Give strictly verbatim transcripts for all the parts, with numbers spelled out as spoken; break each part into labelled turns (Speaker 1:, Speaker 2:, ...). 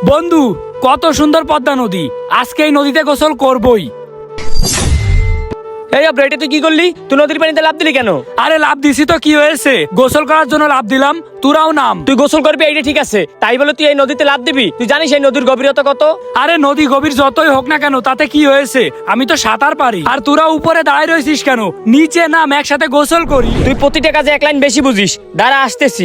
Speaker 1: বন্ধু, কত সুন্দর পদ্মা নদী। আজকে এই নদীতে গোসল করবই।
Speaker 2: এই আব্রা, এটা তুই কি করলি? তুই নদীর পানিতে লাফ দিলি কেন?
Speaker 1: আরে লাভ দিছি তো কি হয়েছে, গোসল করার জন্য লাভ দিলাম। তোরাও নাম।
Speaker 2: তুই গোসল করবি এইটা ঠিক আছে, তাই বলে তুই এই নদীতে লাফ দিবি? তুই জানিস এই নদীর গভীরতা কত?
Speaker 1: আরে নদী গভীর যতই হোক না কেন, তাতে কি হয়েছে? আমি তো সাঁতার পারি। আর তোরা উপরে দাঁড়ায় রয়েছিস কেন? নিচে নাম, একসাথে গোসল করি।
Speaker 2: তুই প্রতিটা কাজে এক লাইন বেশি বুঝিস। দাঁড়া, আসতেছি।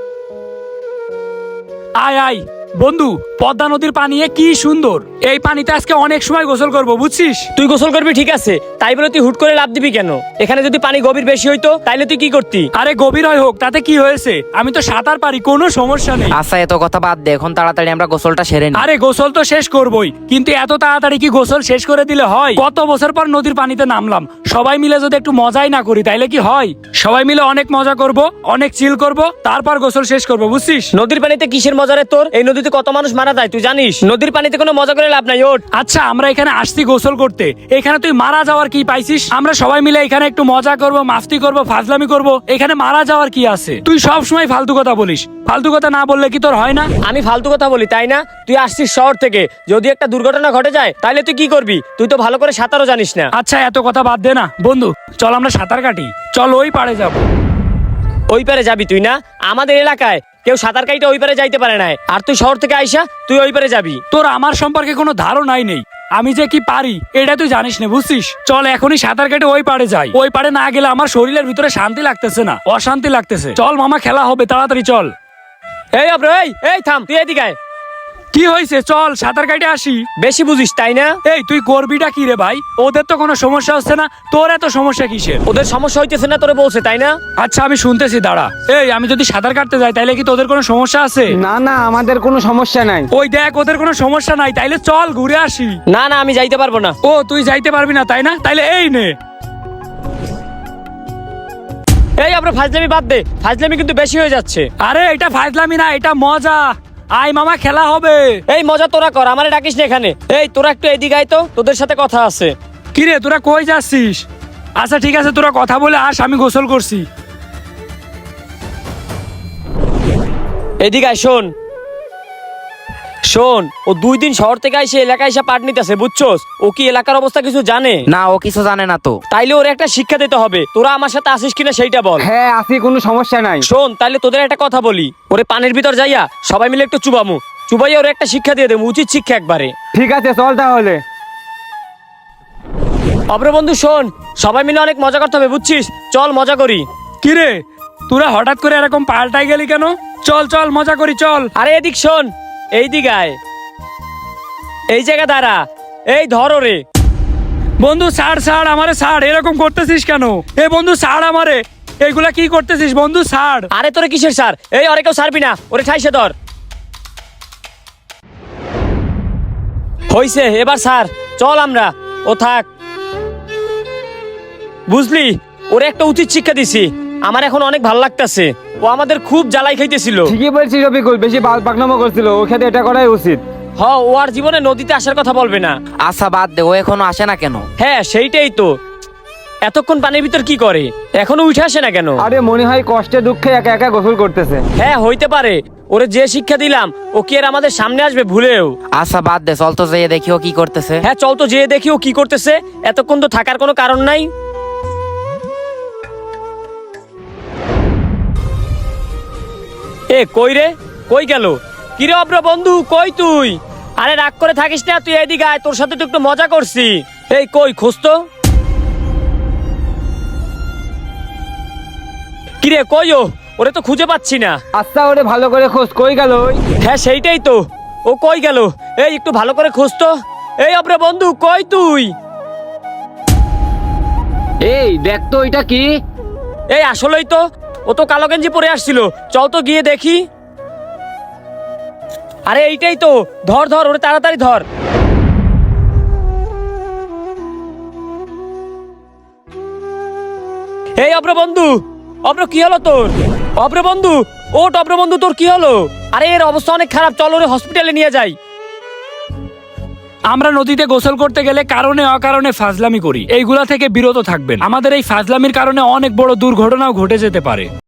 Speaker 1: আয় আয় বন্ধু, পদ্মা নদীর পানি কি সুন্দর। এই পানিতে আজকে অনেক সময় গোসল করব, বুঝছিস?
Speaker 2: তুই গোসল করবি ঠিক আছে, তাই বলে তুই হুট করে লাফ দিবি কেন? এখানে যদি পানি গভীর বেশি হইতো তাইলে তুই কি করতি?
Speaker 1: আরে গভীর হয় হোক, তাতে কি হয়েছে? আমি তো সাঁতার পারি, কোনো সমস্যা নেই।
Speaker 3: আচ্ছা, এত কথা বাদ দে, এখন তাড়াতাড়ি আমরা গোসলটা সেরে নিই।
Speaker 1: আরে গোসল তো শেষ করবই, কিন্তু এত তাড়াতাড়ি কি গোসল শেষ করে দিলে হয়? কত বছর পর নদীর পানিতে নামলাম, সবাই মিলে যদি একটু মজাই না করি তাইলে কি হয়? সবাই মিলে অনেক মজা করব, অনেক চিল করব, তারপর গোসল শেষ করব, বুঝছিস?
Speaker 2: নদীর পানিতে কিসের মজা রে তোর? এই নদীতে কত মানুষ মারা যায় তুই জানিস? নদীর পানিতে কোনো মজা করে লাভ নাই, ওঠ।
Speaker 1: আচ্ছা, আমরা এখানে আসছি গোসল করতে, এখানে তুই মারা যাওয়ার কি পাইছিস? আমরা সবাই মিলে এখানে একটু মজা করব, মাস্তি করব, ফাজলামি করব, এখানে মারা যাওয়ার কি আছে? তুই সব সময় ফালতু কথা বলিস, ফালতু কথা না বললে কি তোর হয় না?
Speaker 2: আমি ফালতু কথা বলি তাই না? তুই আসছিস শহর থেকে, যদি একটা দুর্ঘটনা ঘটে যায় তাহলে তুই কি করবি? তুই তো ভালো করে সাঁতারও জানিস না।
Speaker 1: আচ্ছা, এত কথা বাদ দে না বন্ধু, চল আমরা সাঁতার কাটি, চল ওই পাড়ে যাব।
Speaker 2: ওই পারে যাবি তুই না? আমাদের এলাকায় কেউ সাঁতার কাইটা ওই পারে যাইতে পারে না, আর তুই শহর থেকে আইসা তুই ওই পারে যাবি?
Speaker 1: তোর আমার সম্পর্কে কোনো ধারণাই নেই, আমি যে কি পারি এটা তুই জানিস না, বুঝছিস? চল এখনই সাঁতার কেটে ওই পাড়ে যাই। ওই পাড়ে না গেলে আমার শরীরের ভিতরে শান্তি লাগতেছে না, অশান্তি লাগতেছে। চল মামা, খেলা হবে, তাড়াতাড়ি চল।
Speaker 2: এই আব্রো, এই এই থাম, তুই এদিকে আয়।
Speaker 1: কি হয়েছে? চল সাঁতার কাটে আসি।
Speaker 2: বেশি বুঝিস তাই না?
Speaker 1: এই তুই করবিটা কি রে ভাই? ওদের তো কোনো সমস্যা হচ্ছে না, তোর এত সমস্যা কিসের?
Speaker 2: ওদের সমস্যা হইতেছে না তোরে বলছে তাই না?
Speaker 1: আচ্ছা আমি শুনতেছি, দাঁড়া। এই আমি যদি সাঁতার কাটতে যাই তাইলে কি তোদের কোনো সমস্যা আছে?
Speaker 4: না না, আমাদের কোনো সমস্যা নাই।
Speaker 1: ওই দেখ, ওদের কোনো সমস্যা নাই, তাইলে চল ঘুরে আসি।
Speaker 2: না না, আমি যাইতে পারবো না।
Speaker 1: ও তুই যাইতে পারবি না তাই না? তাইলে এই নে।
Speaker 2: এই আব্রো, ফাজলামি বাদ দে, ফাজলামি কিন্তু বেশি হয়ে যাচ্ছে।
Speaker 1: আরে এটা ফাজলামি না, এটা মজা। আয় মামা, খেলা হবে।
Speaker 2: এই মজা তোরা কর, আমারে ডাকিস না এখানে। এই তোরা একটু এদিকে আয় তো, তোদের সাথে কথা আছে।
Speaker 1: কিরে তোরা কই যাচ্ছিস? আচ্ছা ঠিক আছে, তোরা কথা বলে আস, আমি গোসল করছি।
Speaker 2: এদিকে আয়, শোন শোন ও দুই দিন শহর থেকে আইসে এলাকায় এসে পাট নিতেছে, বুঝছোস? ও কি এলাকার অবস্থা কিছু জানে?
Speaker 3: না, ও কিছু জানে না তো।
Speaker 2: তাইলে ওর একটা শিক্ষা দিতে হবে। তোরা আমার সাথে আসিস কিনা সেইটা বল।
Speaker 4: হ্যাঁ আসি, কোনো সমস্যা নাই।
Speaker 2: শোন, তাইলে তোদের একটা কথা বলি, ওরে পানির ভিতর যাইয়া সবাই মিলে একটু চুবামু, চুবাইয়া ওরে একটা শিক্ষা দিয়ে দেবো, উচিত শিক্ষা একবারে।
Speaker 4: ঠিক আছে, চল তাহলে।
Speaker 2: অব্র বন্ধু শোন, সবাই মিলে অনেক মজা করতে হবে, বুঝছিস? চল মজা করি।
Speaker 1: কিরে তোরা হঠাৎ করে এরকম পাল্টাই গেলি কেন? চল চল মজা করি, চল।
Speaker 2: আরে এদিক শোন, এই দিক আয়, এই জায়গা দাঁড়া, এই ধর ওরে।
Speaker 1: বন্ধু ছাড় ছাড় আমারে, ছাড়, এরকম করতেছিস কেন? এ বন্ধু ছাড় আমারে, এইগুলা কি করতেছিস বন্ধু? ছাড়।
Speaker 2: আরে তোরে কিসের স্যার? এই ওরে কেউ ছাড়বি না, ওরে ঠাইসে ধর। হইছে, এবার স্যার চল আমরা, ও থাক। বুঝলি, ওরে একটা উচিত শিক্ষা দিছি, আমার এখন অনেক ভাল লাগতেছে। ও আমাদের খুব জ্বালাই খাইতেছিল।
Speaker 4: ঠিকই বলছিস রফিকুল, বেশি পাকনামো করছিল, ওর সাথে এটা করাই উচিত।
Speaker 2: হ, ও আর জীবনে নদীতে আসার কথা বলবে না।
Speaker 3: আচ্ছা বাদ দে, ও এখনো আসে না কেন?
Speaker 2: হ্যাঁ সেইটাই তো, এতক্ষণ পানির ভিতর কি করে, এখনো উঠে আসে না কেন?
Speaker 4: আরে মনে হয় কষ্টে দুঃখে একা একা গোসল করতেছে।
Speaker 2: হ্যাঁ হইতে পারে, ওরে যে শিক্ষা দিলাম ও কি আর আমাদের সামনে আসবে ভুলেও?
Speaker 3: আচ্ছা বাদ দে, চল তো যেয়ে দেখি ও কি করতেছে।
Speaker 2: হ্যাঁ চল তো যেয়ে দেখি ও কি করতেছে, এতক্ষণ তো থাকার কোনো কারণ নাই। এ কই রে, কই গেল? কিরে অব্র বন্ধু, কই তুই? আরে রাগ করে থাকিস না, তুই এদিকে আয়, তোর সাথে তো একটু মজা করছি। এই কই, খোঁজ তো। কিরে কই ও? ওরে তো খুঁজে পাচ্ছি না।
Speaker 4: আচ্ছা ওরে ভালো করে খোঁজ, কই গেল ওই?
Speaker 2: হ্যাঁ সেইটাই তো, ও কই গেল? এই একটু ভালো করে খোঁজ তো। এই অব্র বন্ধু, কই তুই?
Speaker 4: এই দেখ তো, এটা কি?
Speaker 2: এই আসলেই তো, ও তো কালো গেঞ্জি পরে আসছিল, চল তো গিয়ে দেখি। আরে এইটাই তো, ধর ধর ওরে, তাড়াতাড়ি ধর। এই অব্র বন্ধু, অব্র কি হলো তোর? অব্র বন্ধু, ওট অব্র বন্ধু, তোর কি হলো? আরে এর অবস্থা অনেক খারাপ, চল ওরে হসপিটালে নিয়ে যাই।
Speaker 1: আমরা নদীতে গোসল করতে গেলে কারণে অকারণে ফাজলামি করি, এইগুলা থেকে বিরত থাকবেন। আমাদের এই ফাজলামির কারণে অনেক বড় দুর্ঘটনাও ঘটে যেতে পারে।